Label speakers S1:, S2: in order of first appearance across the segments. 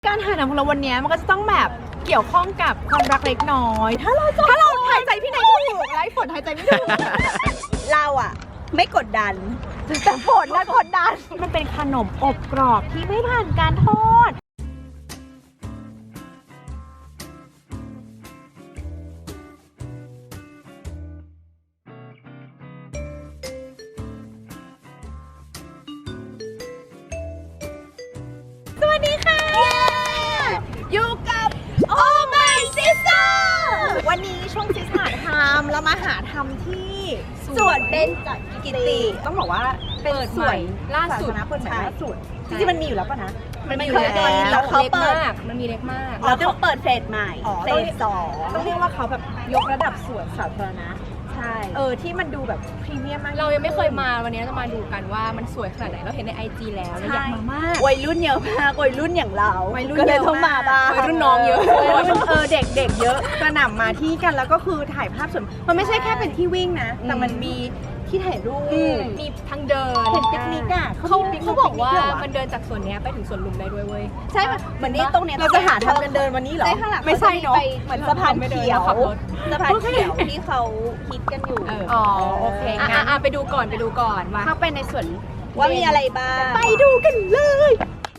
S1: การถ่ายหนังของเราวันนี้มันก็จะต้องแบบเกี่ยวข้องกับความรักเล็กน้อยถ้าเราหายใจพี่ไหนถูกไล่ฝนหายใจไม่ถูก
S2: เราอะไม่กดดัน
S1: แต่ฝนนะกดดันมันเป็นขนมอบกรอบที่ไม่ผ่านการทอดสวัสดีค่ะอยู่กับ Oh My Sister วันนี้ช่วงซิสหาทำเรามาหาทำที่สวนเบญจกิติต้องบอกว่าเป็นสวนล่าสุดนะเปิดใหม่ล่าสุดจริงๆมันมีอยู่แล้วป่ะนะมันมีอยู่แล้วเขาเปิด
S3: มันมีเล็กมาก
S2: เราต้องเปิดเฟสใหม่เฟส2
S1: ต้องเรียกว่าเขาแบบยกระดับสวนสาธารณะ
S2: ใช่
S1: ที่มันดูแบบพรีเมียมมาก
S3: เรายังไม่เคยมาวันนี้จะมาดูกันว่ามันสวยขนาดไหนเราเห็นใน IG แล้วเราอยากมามาก
S2: วัยรุ่นเยอะมากวัยรุ่นอย่างเราก็เลยต้องมาบ้าง
S3: วัยรุ่นน้องเยอะ
S1: เด็กเยอะกระหน่ำมาที่กันแล้วก็คือถ่ายภาพสวนมันไม่ใช่แค่เป็นที่วิ่งนะแต่มันมีที่ถ่ายรูป
S3: มีทางเดิน
S1: เห็นปิกนิกอ่ะ
S3: เขาบอกว่ามันเดินจากสวนนี้ไปถึงสวนลุมได้ด้วยเว้ย
S2: ใช่เหมือนนี้ตรงเนี้ย
S1: เราจะหาทางกันเดินวันนี้เหรอ
S2: ไม่ใช่เนาะเหมือนสะพานเขียวสะพานเขียวที่เขาฮิตกันอยู่
S3: อ๋อโอเคงั้นไปดูก่อนว่า
S1: เข้าไปในสวน
S2: ว่ามีอะไรบ้าง
S1: ไปดูกันเลย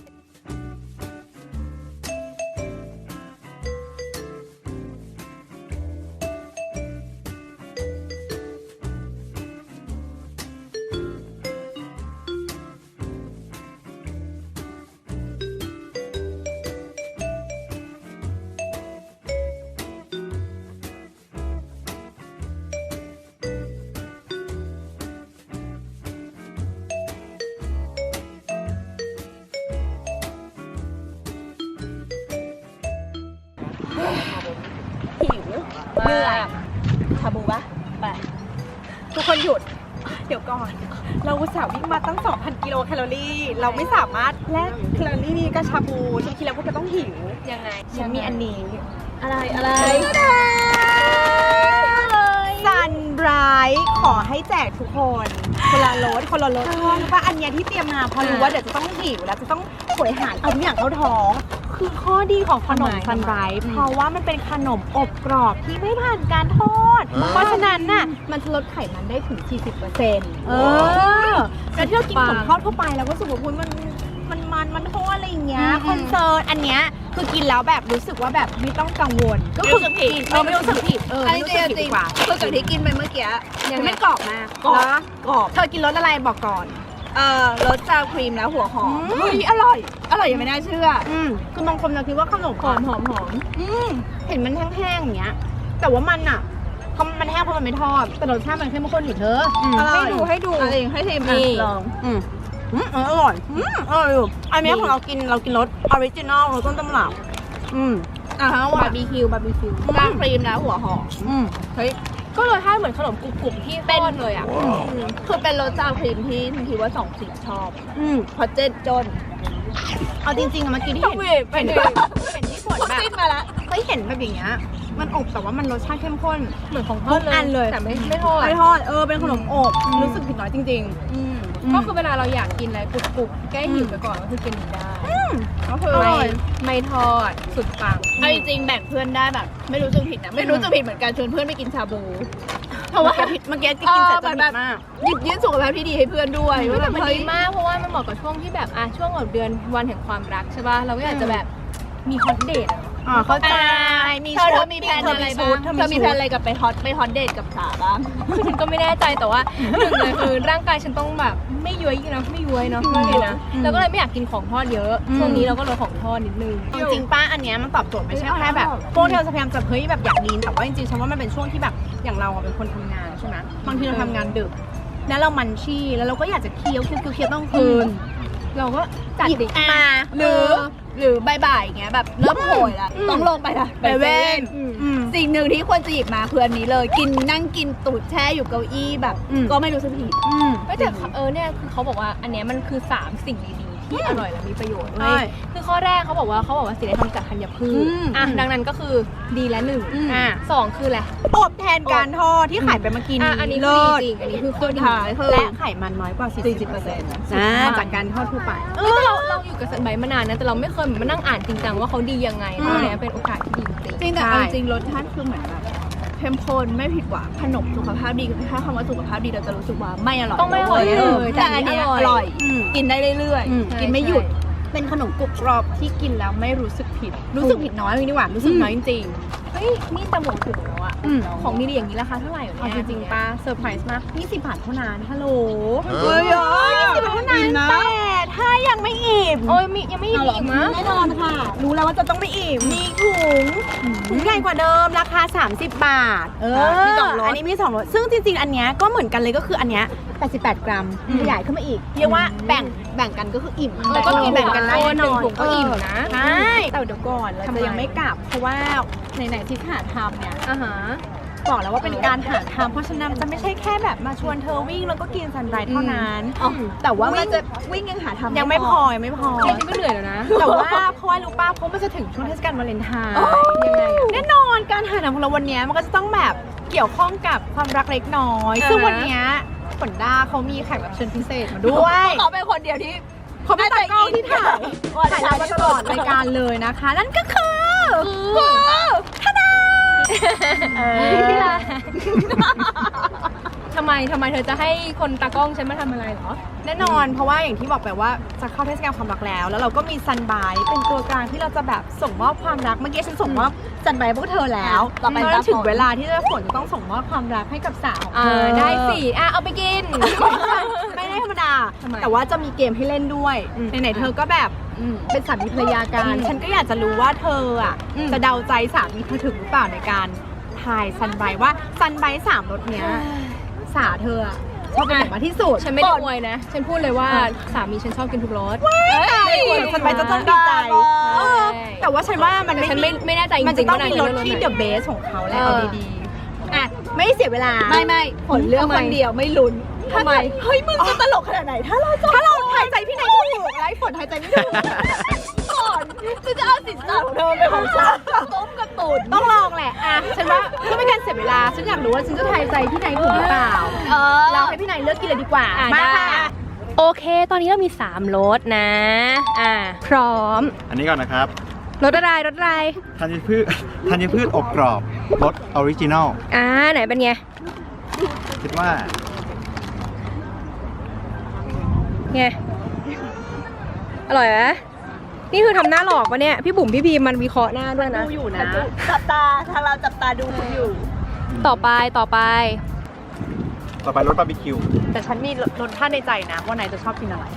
S2: หิวเหนื่อยชาบูปะไป
S1: ทุกคนหยุดเดี๋ยวก่อนเราอุตส่าห์วิ่งมาตั้ง 2,000 กิโลแคลอรี่เราไม่สามารถแลกแคลอรี่นี้กับชาบูฉันคิดแล้วพวกจะต้องหิว
S3: ยังไง
S1: ฉันมีอันนี้
S2: อะไร
S1: ซันไบรท์ขอให้แจกทุกคนคนละรสว่าอันเนี้ยที่เตรียมมาพอรู้ว่าเดี๋ยวจะต้องหิวแล้วจะต้องโหยหาเอาทุกอย่างเข้าท้องคือข้อดีของขนมซันไบรท์เพราะว่ามันเป็นขนมอบกรอบที่ไม่ผ่านการทอดเพราะฉะนั้นน่ะมันจะลดไขมันได้ถึง 40%แล้วที่เรากินขนมทอดทั่วไปแล้วก็รู้สึกว่ามันทอดอะไรอย่างเงี้ยคอนเซิร์นอันเนี้ยคือกินแล้วแบบรู้สึกว่าแบบไม่ต้องกังวลก็คือไม่รู้สึกผิด
S2: อันนี้จริงคือจากที่กินไปเมื่อกี้
S1: ไม่กรอบมากกรอบเธอกินรสอะไรบอกก่อน
S2: รสซาวครีมแล้วหัวหอม
S1: อร่อยยังไม่น่าเชื่อคือบางคนเราคิดว่าขนมหอมเห็นมันแห้งๆอย่างเงี้ยแต่ว่ามันอ่ะมันแห้งเพราะมันไม่ทอดแต่รสชาติมันเข้มข้นอยู่เธอให้ดู
S2: ให้เทมลอง
S1: อร่อยอยู่อันนี้ของเรากินรสออริจินอลรสต้นตำรับบาร์บีคิว
S2: ซาวครีมแล้วหัวหอม
S3: เฮ้ยก็รสชาติเหมือนขนมกรุบๆที่เป็นเลยอ่ะ
S2: คือเป็นรสซาวครีมที่คิดว่า2 ชอบเพราะเจ็ดจน
S1: เอาจริงๆเมื่อกี้ที่เห็นที่ผลแบบ
S2: มาแล้ว
S1: เห็นแบบอย่างเงี้ยมันอบแต่ว่ามันรสชาติเข้มข้น
S3: เหมือนของทอดเลยแต่ไม่ทอด
S1: เป็นขนมอบรู้สึกผิดน้อยจริง
S3: ก็คือเวลาเราอยากกินอะไรกรุบๆแก้หิวไปก่อนก็คือกินได้
S1: ก็คือ
S3: ไม่ทอดสุดปัง
S2: จริงๆแบ่งเพื่อนได้แบบไม่รู้สึกผิดนะไม่รู้สึกผิดเหมือนกันชวนเพื่อนไปกินชาบูเพราะว่า
S1: เมื่อกี้กินเสร็จจะแบบ
S2: หยิบยื่นสุขภาพที่ดีให้เพื่อนด้วย
S3: มันดีมากเพราะว่ามันเหมาะกับช่วงที่แบบช่วงแบบเดือนวันแห่งความรักใช่ป่ะเราก็อยากจะแบบมีฮอตเดท
S1: เข้าใจ
S2: เธอมีแพลนอะไรบ้างเธอมีแพลนอะไรกับไปฮอตเดทกับสาบ้าง
S3: คือฉันก็ไม่แน่ใจแต่ว่าหนึ่งเลยคือร่างกายฉันต้องแบบไม่ย้วยเนาะแล้วก็เลยไม่อยากกินของทอดเยอะช่วงนี้เราก็ลดของทอดนิดนึง
S1: จริงป้าอันเนี้ยมันตอบโจทย์ไม่ใช่แค่แบบพวกเราพยายามจะแบบอยากลีนแต่ว่าจริงๆฉันว่ามันเป็นช่วงที่แบบอย่างเราเป็นคนทำงานใช่ไหมบางทีเราทำงานดึกแล้วเรามันชี่แล้วเราก็อยากจะเคี้ยวต้องคืน
S3: เราก็จัดดิ
S2: มาหรือบ่ายๆอย่างเงี้ยแบบเริ่มโหยแล้วต้องลงไปละไปเว้นสิ่งหนึ่งที่ควรจะหยิบมาคืออันนี้เลยนั่งกินตูดแช่อยู่เก้าอี้แบบก็ไม่รู้สึกผิด
S3: แต่เนี่ยคือเขาบอกว่าอันเนี้ยมันคือ3 สิ่งดีๆที่อร่อยและมีประโยชน์
S1: ใช่
S3: คือข้อแรกเขาบอกว่าสิ่งที่ทำจากธัญพืชดังนั้นก็คือดีและ1สองคืออะไร
S1: อบแทนการทอดที่ขายไปเมื่อกี้นี้
S3: อันนี้คือ
S1: เลิศ
S3: ดีจริงอันนี้คือข้อดี
S1: และไขมันน้อยกว่า 40%จากการทอดทั่วไป
S3: แต่เราอยู่กับสันใบมานานนะแต่เราไม่เคยมานั่งอ่านจริงจังว่าเขาดียังไงตอนนี้เป็นโอกาสที่ดีจริง
S2: จริงแต่เอาจริงรสชาติคือเหมือนแบบเข้มข้นไม่ผิดหวังขนมสุขภาพดีถ้าคำว่าสุขภาพดีเราจะรู้สึกว่าไม่อร่อย
S3: ต้องไม่อร่อยเลย
S2: แต่อันเนี้ยอร่อย กินได้เรื่อย
S1: อืม
S2: ๆกินไม่หยุดเป็นขนมกรุบกรอบที่กินแล้วไม่รู้สึกผิด รู้สึกผิดน้อยเลยดีกว่ารู้สึกน้อยจริง
S3: เฮ้ยนี่จะหมดถึงแล้วอะของดีๆอย่างนี้ราคาเท่าไหร่วะ
S1: เอา
S3: เนี่ย
S1: จริงๆป้าเซอร์ไพรส์มาก20 บาทเท่านั้นฮัลโหล
S2: เฮ้ย20
S1: บาทเท่านั้นแต่ถ้ายังไม่อิ่ม
S3: โอ้ยยังไม่อิ่มอีกมั้ง
S1: แน่นอนค่ะ รู้แล้วว่าจะต้องไม่อิ่ม มีถุงใหญ่กว่าเดิมราคา30 บาท
S2: มีสองรส
S1: อันนี้มี2รสซึ่งจริงๆ อันเนี้ยก็เหมือนกันเลยก็คืออันเนี้ย88 กรัมขยายขึ้นมาอีก เรียกว่าแบ่งกันก็คืออิ่ม
S3: ก็กิน
S1: แบ่งกันได้
S3: ค
S1: แน่นอน
S3: ถุงก็อิ่มนะ
S1: ใช่แต่เดี๋ยวก่อนเรา
S3: ทำไม
S1: จะยังไม่กลับ เพราะว่าไหนๆที่หาทำเนี่ย
S3: อ่าฮะ
S1: บอกแล้วว่าเป็นการหาทำเพราะฉะนั้นจะไม่ใช่แค่แบบมาชวนเธอวิ่งแล้วก็กินซันไรเท่านั้น แต่ว่า
S2: ว่าจะวิ่งยังหาทำ
S1: ยังไม่พอยังไม่พอ
S3: จริงๆก็เหนื่อยแล้วนะ
S1: แต่ว่าเพราะว่ารู้ป่ะเพราะมันจะถึงช่วงเทศกาลวาเลนไทน์
S3: ยังไงอะ
S1: แน่นอนการหาหนังของเราวันเนี้ยมันก็จะต้องแบบเกี่ยวข้องกับความรักเล็กน้อย ซึ่งวันเนี้ยฝนด้าเขามีแขกรับเชิญพิเศษมาด้วย
S2: เขาเป็นคนเดียวที่
S1: เขาเป็นตากล้องที่ถ่ายเรามาตลอดรายการเลยนะคะ นั่นก็คือทนาย
S3: ทำไมเธอจะให้คนตากล้องฉันมาทำอะไรเหรอ
S1: แน่นอนเพราะว่าอย่างที่บอกไปว่าจะเข้าเทศกาลความรักแล้วเราก็มีซันบายเป็นตัวกลางที่เราจะแบบส่งมอบความรักเมื่อกี้ฉันส่งมอบซันบายพวกเธอแล้วตอนนั้นถึงเวลาที่จะฝนจะต้องส่งมอบความรักให้กับสาวของเธอ
S3: ได้สิเอาไปกิน
S1: ไม่ได้ธรรมดา
S3: ทำไม
S1: แต่ว่าจะมีเกมให้เล่นด้วยไหนๆเธอก็แบบเป็นสามีภรรยากัน ฉันก็อยากจะรู้ว่าเธออ่ะจะเดาใจสามีเธอถึงหรือเปล่าในการทายซันไบว่าซันไบ3รสเนี้ยสาเธออะชอบเป็นแบบมากที่สุด
S3: ฉันไม่ได้อวยนะ ฉันพูดเลยว่าสามีฉันชอบกินทุกรส
S1: ซันไบจะต้องดีใจแต่ว่าฉันว่ามัน
S3: แต่ฉันไม่แน่ใจจริงๆ
S1: มันจะต้องมีรส
S3: ว่า
S1: ที่
S3: ไหน
S1: เดอะเบสของเขาแล้วเอาดีๆอ่ะไม่เสียเวลา
S2: ไม่ผลเลือกคนเดียวไม่ลุ้น
S3: ทำไม
S2: เฮ้ยมึงจะตลกขนาดไหนถ้าเรา
S1: หายใจพี่นายถูกไร้ฝนหายใจไม่ถูก
S2: ก่อนจะเอาสินสอดของเธอเป็นของฉันต้มกระตุน
S1: ต้องลองแหละอ่ะฉันว่าเพื่อไม่การเสียเวลาฉันอยากรู้ว่าฉันจะทายใจพี่นายถูกหรือเปล่าเราให้พี่นายเลือกกินเลยดีกว่ามาค่ะ
S3: โอเค ตอนนี้เรามี3รสนะ พร้อม
S4: อันนี้ก่อนนะครับ
S3: รสอะไร
S4: ธัญพืชอบกรอบรสออริจินอล
S3: ไหนเป็นไง
S4: คิดว่า
S3: ไง อร่อยไหมนี่คือทำหน้าหลอกปะเนี่ย พี่บุ๋มพี่พีมันวิเคราะห์หน้าด้วยนะ
S1: ดูอยู่นะ
S2: จับตาทางเราจับตาดูคุณอยู่
S3: ต่อไป
S4: ต่อไปรสบาร์บีคิว
S1: แต่ฉันมีรสชาติในใจนะว่านายจะชอบกินอะไร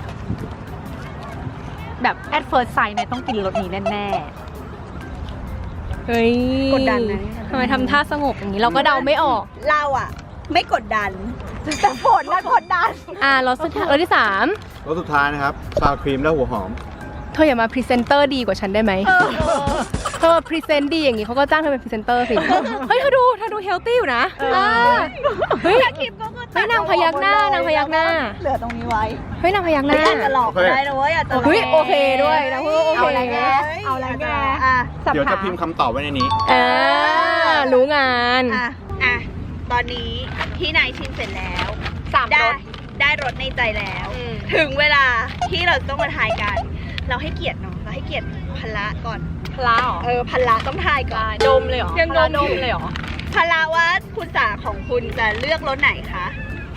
S1: แบบ at first sight นายต้องกินรสนี้แน่
S3: เฮ้ย
S1: กดดันนะ
S3: ทำไมทำท่าสงบอย่างนี้เราก็เดาไม่ออก
S2: เราอ่ะ ไม่กดดัน
S1: แต่ฝนน่ะกดดัน
S3: รสสุดท้ายรสที่
S4: รสสุดท้ายนะครับซาวครีมและหัวหอม
S3: 3 เธออย่ามาพรีเซนเตอร์ดีกว่าฉันได้ไหมเธอพรีเซนต์ดีอย่างนี้เขาก็จ้างเธอเป็นพรีเซนเตอร์สิ เฮ้ยเธอดูเฮลตี้อยู่นะเฮ้ยนางพยักหน้านางพยักหน้า
S2: เหลือตรงนี้ไว้
S3: เฮ้ยนางพยักหน้า
S2: อาจจะหลอกได้นะเว้ยอาจจะหลอก
S3: เฮ้ยโอเคด้วยนางพูดโอเค
S1: เอาอะไรแกเอาอะไรแก
S2: อ่ะ
S4: เดี๋ยวจะพิมพ์คำตอบไว้ในนี้
S3: รู้งาน
S2: อ่ะตอนนี้ที่นายชิมเสร็จแล้ว
S1: 3 รส
S2: ได้รสในใจแล้ว ถึงเวลาที่เราต้องมาทายกัน เราให้เกียรติเนาะเราให้เกียรติพละก่อน
S1: พลาเหรอ
S2: พละต้องทายก่อน
S1: ดมเลยเหรอ
S3: ยัง
S1: พลา
S3: ดม
S1: เลยเหรอ
S2: พละว่าคุณสาของคุณจะเลือกรสไหนคะ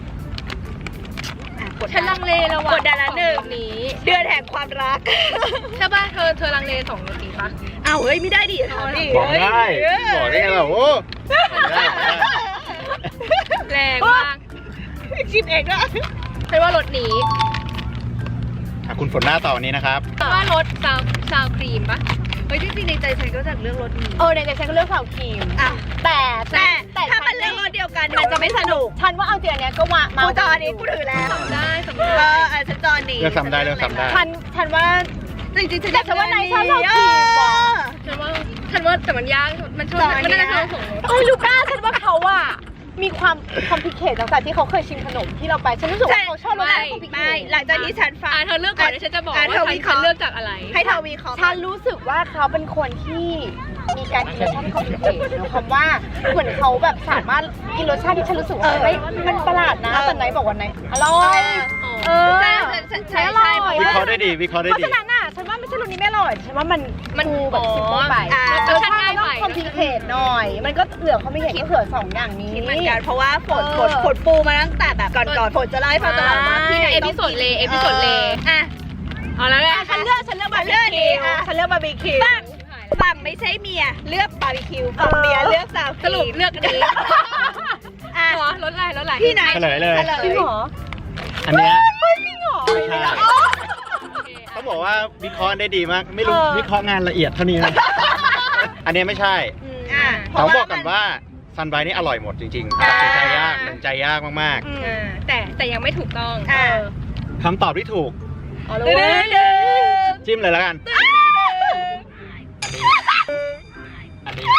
S2: กด
S3: ฉันลังเลแล้วว่ะ
S2: กดดันละหนึ่ง
S3: สอรสนี้
S2: เดือนแห่งความรัก
S3: ใช่ป่ะเธอลังเล2 รสนี้ปะ
S2: อ้าวเฮ้ยไม่ได้ดิถามดิ
S4: บอกได้บอกได้ไงล่ะโอ้ได้
S3: แรงมาก
S2: ชิมเองนะ
S3: ฉันว่ารสนี้
S4: คุณฝนหน้าต่อวันนี้นะครับ
S3: ฉันว่ารสซาวครีมปะ
S2: เฮ้ยจริงๆในใจฉันก็จะเลือกรสนี้
S1: ในใจฉันก็เลือกสาวครีม
S2: อ่ะ
S1: แต่
S2: ถ้ามันเลือกรสเดียวกันมันจะไม่สนุก
S1: ฉันว่าเอาจริงอันเนี้ยก็มา
S2: กูจอนี้กูถือแล้ว
S3: ได้สำห
S2: เอ
S3: รับ
S2: ฉันจอนี้
S4: เลือกซ้ำได้เลือกซ้ำได้
S1: ฉันว่า
S2: จริงๆฉัน
S1: แต่ฉันว่านายชอบสาวครีมว่ะ
S3: ฉันว่าแต่มันยากมันชอบมันน่าจะชอบ2 รส
S1: เฮ้ยลูก้าฉันว่าเขาอะมีความคอมพลิเคทตั้งแต่ที่เขาเคยชิมขนมที่เราไปฉันรู้สึกว่าเขาชอบรสชาติคอมพลิเค
S2: ไม่
S1: ท
S2: หลังจากที่ฉันฟัง
S3: เธอเลือกก่อนเดี๋ยวฉันจะบอกว่า
S2: เธอ
S3: ฉั
S2: วิ
S3: น
S2: เคราะห์
S3: เลือกจากอะไร
S2: ให้เธอวิเคราะห์
S1: ฉันรู้สึกว่าเขาเป็นคนที่มีการกินรสชาติที่คอมพลิเคทนะคำว่าเหมือนเขาแบบสามารถกินรสชาติที่ฉันรู้สึกว่าเฮ้ยมันประหลาดนะแต่ไหนบอกว่าไหนอร่อยใช่อร่อย
S4: วิเคราะห์ได้ดีวิเคราะห์ได้
S1: เพราะ
S4: ดี
S1: ฉะนั้นน่ะฉันว่าไม่ใช่รสนี้ไม่อร่อยฉันว่ามันดูแบบ
S3: อ๋อ
S1: ซิมเปิลไป
S3: รสชาติง่าย
S1: ต้อง
S3: ไป
S1: คอมพลิเคทหน่อย มันก็เหลือคอมพลิเคทก็เหลือ2อย่างนี้
S2: คิดเหมือนกันเพราะว่าฝนปูมาตั้งแต่แบบก่อนฝนจะเล่าให้ฟังตลอดว่าพี่ไหน
S3: เอ
S2: ต้
S3: พิ
S2: อง
S3: โซดเลเอพิโซดเล
S2: อ่ะ
S3: เอาแล้วแหละ
S1: ฉันเลือกบาร์บีคิวฉันเลือกบาร์บีคิว
S2: ฝั่งไม่ใช่เมียเลือกบาร์บีคิวฝั่งเมียเลือกซาว
S3: สรุปเลือกอันนี้
S2: อ่ะ
S3: หัวรถอะไร
S2: พี่ไหน
S4: เฉลยเลย
S1: จริงเหรอ
S4: อันเนี้ย
S1: จริงเหรอ
S4: ไม่ใช่ต้องบอกว่าวิเคราะห์ได้ดีมาก ไม่รู้วิเคราะห์งานละเอียดเท่านี้นะอันเนี้ยไม่ใช่
S2: อ่ะ
S4: ต้องบอกก่อนว่าซันไบรท์นี่อร่อยหมดจริงๆตัดสินใจยากตัดสินใจยากมาก
S3: แต่ยังไม่ถูกต้อง
S2: อ่ะ
S4: ๆคำตอบที่ถูก
S1: เอาเลยเว้ย
S4: จิ้มเลยแล้วกัน อันนี้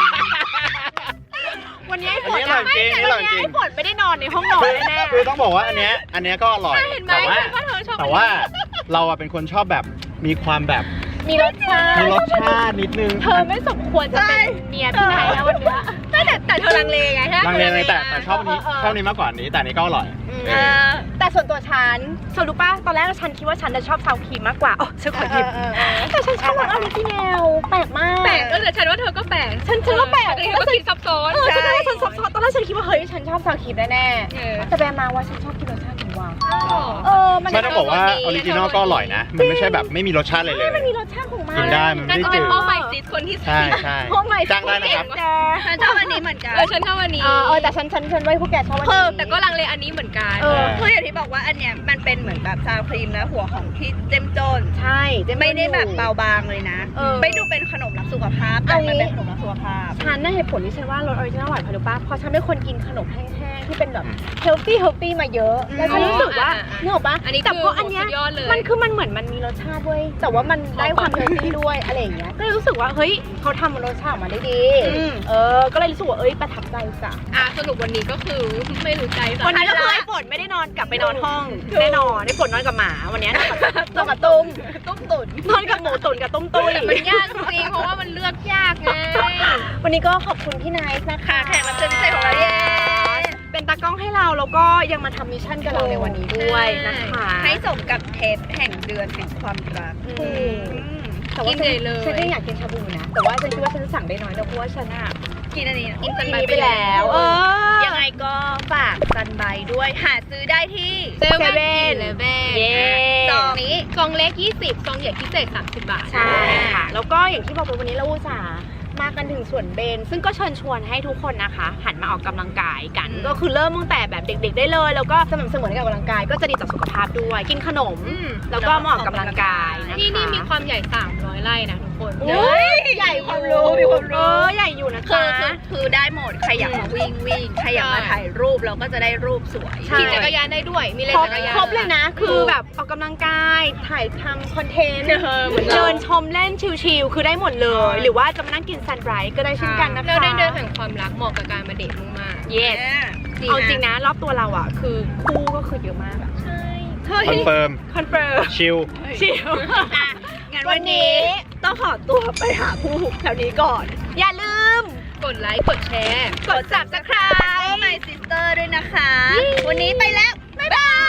S1: วันนี้ไอ้ฝ
S4: อัน
S1: น
S4: นี้อร่อยจริงอันนี้อร่อยจริง
S1: ไอ้ฝนไม่ได้นอนในห้องนอน
S4: คือ
S1: แน่
S4: คือต้องบอกว่าอันเนี้ยก็อร่อย
S3: เห็นไหม
S4: แต่ว่า
S3: ว่าเธอชอบ
S4: แต่ว่าเราอะเป็นคนชอบแบบมีความแบบ
S1: ๆมีรสชาติ
S4: มีรสชาตินิดนึง
S1: เธอไม่สมควรจะเป็นเมียพี่นายแล้ววันเนี้ย
S3: แต่เธอลังเลไงใช่ไหม
S4: ลังเลเลยแต่ชอบอันนี้
S1: เออ
S4: ชอบอันนี้มากกว่าอันนี้แต่อันนี้ก็อร่อย
S1: แต่ส่วนตัวฉันเธอรู้ป่ะตอนแรกฉันคิดว่าฉันจะชอบซาวครีมมากกว่าอ๋อฉันขอหยิบแต่ฉันชอบรสออริจินัลแปลกมาก
S3: แปลกแต่ฉันว่าเธอก็แปลก
S1: ฉันก็แปลก
S3: ฉันก็คิดซับซ้อน
S1: ฉันว่าฉันซับซ้อนตอนแรกฉันคิดว่าเฮ้ยฉันชอบซาวครีมแน่
S3: เออ
S1: ๆแต่ไปมาว่าฉันชอบกินรสชาติของวาวมัน
S4: ไม่ต้องบอกว่าออริจินอลก็อร่อยนะ มันไม่ใช่แบบไม่มีรสชาติเลยเลย
S1: มันมีรสชาติของมัน
S4: กินได้มัน
S3: นั่
S4: ไม่
S3: น
S4: ได้
S3: ก็เป็
S4: จื
S3: น
S4: ด
S3: พ่อใหม่ซิสคนที่
S4: ใช่ใช่
S1: โอ้ my
S4: จ้างได้นะครับ
S2: ฉันชอบอันนี้เหมือนกัน
S3: ฉันชอบอันนี้
S1: แต่ฉันไว้พวกแกชอบอัน
S3: เพิ่ม
S1: นี้
S3: แต่ก็ลังเลอันนี้เหมือนกัน
S2: คืออย่างที่บอกว่าอันเนี้ยมันเป็นเหมือนแบบซาวครีมและหัวของที่เจ้มจน
S1: ใช่เจ๊
S2: ไม่ได้แบบเบาบางเลยนะ
S1: เออ
S2: ไม่ดูเป็นขนมรักสุขภาพแต่มันเป็นขนมรักสุขภาพ
S1: ฉันน่ะเหตุผลที่ฉันว่ารสออริจินัลอร่อยเพราะรู้ป่ะเพราะฉันเป็นคนกินขนมแห้งๆที่เป็นแบบเฮลตี้มาเยอะแล้วฉันรู้สึกว่านึกออกปะ
S3: อันนี้
S1: แต่เพราะอันเนี้ย
S3: สุดยอดเลย
S1: มันเหมือนมันมีรสชาติด้วยแต่ว่ามันได้ความเฮลตี้ด้วยอะไรอย่างเงี้ยก็เลยรู้สึกว่าเฮ้ยเขาทำรสชาติออกมาได้ดีก็เลยรู้สึกว่าประทับใจจ้ะ
S3: สรุปวันนี้ก็คือไม่รู้ใจสัก
S1: วันนี้ก็คือไอ้ฝนไม่ได้นอนกลับไปนอนห้องแน่นอนไอ้ฝนนอนกับหมาวันนี้นอนกับตุ้มตุ๋นนอนกับหมูตุ๋นกับตุ้มตุ้ย
S3: มันยากจริงเพราะว่ามันเลือกยากไง
S1: วันนี้ก็ขอบคุณพี่ไนท์นะคะ
S2: แขกรับเชิญพิเศษของเราเย้
S1: เป็นตากล้องให้เราแล้วก็ยังมาทำมิชชั่นกับเราในวันนี้ด้วยนะคะ
S2: ให้สมกับเทปแห่งเดือนแห่งความรัก
S1: แต่ว่าฉันก็อยากกินชาบูนะแต่ว่าฉันคิดว่าฉันจะสั่งได้น้อยนะเพราะว่าฉันอะ
S2: กินอันนี้อินส
S1: กิน
S2: แตน
S1: ไปแล้ว
S2: ยังไงก็ฝากซันไบด้วยหาซื้อได้ที่
S3: เซเว่นเลเว่น
S1: เย้
S2: ซองนี้
S3: ซองเล็ก20ซองใหญ่พิเศษ30 บาท
S1: ใช่ค่ะแล้วก็อย่างที่บอกไปวันนี้เราอุตส่าห์มากันถึงส่วนเบนซึ่งก็เชิญชวนให้ทุกคนนะคะ หันมาออกกำลังกายกัน ก็คือเริ่มตั้งแต่แบบเด็กๆได้เลย แล้วก็สม่ำเสมอในการออกกำลังกายก็จะดีต่อสุขภาพด้วย กินขนม แล้วก็มาออกกำลังกายนะคะ
S3: นี่มีความใหญ่300 ไร่นะทุกคน
S1: โอ้ยใหญ่ความรู้มีความรู้ใหญ่อยู่นะ
S2: คื
S1: จ๊ะ
S2: คือได้หมดใครอยากมาวิ่งใครอยากมาถ่ายรูปเราก็จะได้รูปสวย
S1: ใช่
S3: ขี่จักรยานได้ด้วยมีเลน
S1: ครบ
S3: จักรยาน
S1: ครบเลยนะ คือแบบออกกำลังกายถ่ายทำคอนเทนต์
S3: เหมือนเรา
S1: เดินชมเล่นชิลๆคือได้หมดเลย หรือว่าจะมานั่งกินซันไรส์ก็ได้เช่นกันนะคะ
S3: แล้วได้เดินแห่งความรักเหมาะกับการมาเดทมาก
S1: yes เอาจริงนะรอบตัวเราอ่ะคือคู่ก็คือเยอะมากอะ
S4: คอนเฟิร์ม
S1: คอนเฟิร์ม
S4: ชิล
S1: ชิล
S2: งั้นวันนี้ต้องขอตัวไปหาผู้แถวนี้ก่อน
S1: อย่าลืม
S3: ๆ กดไลค์กดแชร์
S1: กด subscribe
S2: โอ้ my sister ด้วยนะคะ วันนี้ไปแล้ว บ๊ายบาย